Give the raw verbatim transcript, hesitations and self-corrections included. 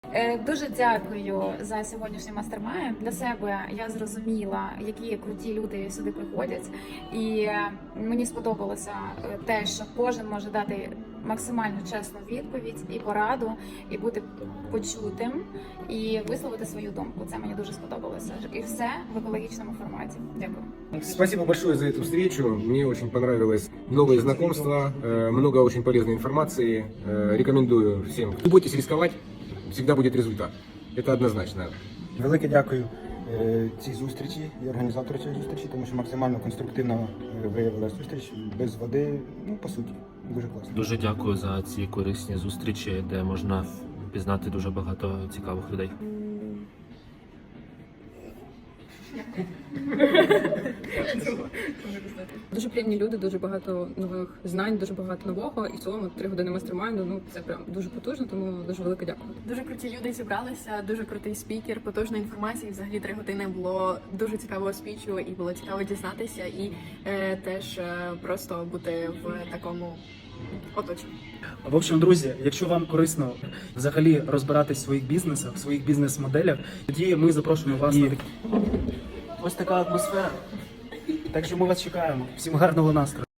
Е, Дуже дякую за сьогоднішній мастер-майнд. Для себе я зрозуміла, які круті люди сюди приходять, і мені сподобалося е, те, що кожен може дати максимально чесну відповідь і пораду, і бути почутим, і висловити свою думку. Це мені дуже сподобалося. І все в екологічному форматі. Дякую. Спасибо большое за эту встречу. Мне очень понравилось новые знакомства, э, много очень полезной информации. Э, Рекомендую всем. Не бойтесь рисковать, всегда будет результат. Это однозначно. Велике дякую е, цій зустрічі і організатору цієї зустрічі, тому що максимально конструктивно е, виявилася зустріч без води, ну по суті, дуже класно. Дуже дякую за ці корисні зустрічі, де можна пізнати дуже багато цікавих людей. Дуже приємні люди, дуже багато нових знань, дуже багато нового. І в цілому три години мастер-майнду, ну це прям дуже потужно, тому дуже велике дякую. Дуже круті люди зібралися, дуже крутий спікер, потужна інформація. Взагалі три години було дуже цікавого спічу, і було цікаво дізнатися, і е, теж е, просто бути в такому оточенні. В общем, друзі, якщо вам корисно взагалі розбиратись в своїх бізнесах, в своїх бізнес-моделях, тоді ми запрошуємо вас на такі. Ось така атмосфера. Так що ми вас чекаємо. Всім гарного настрою.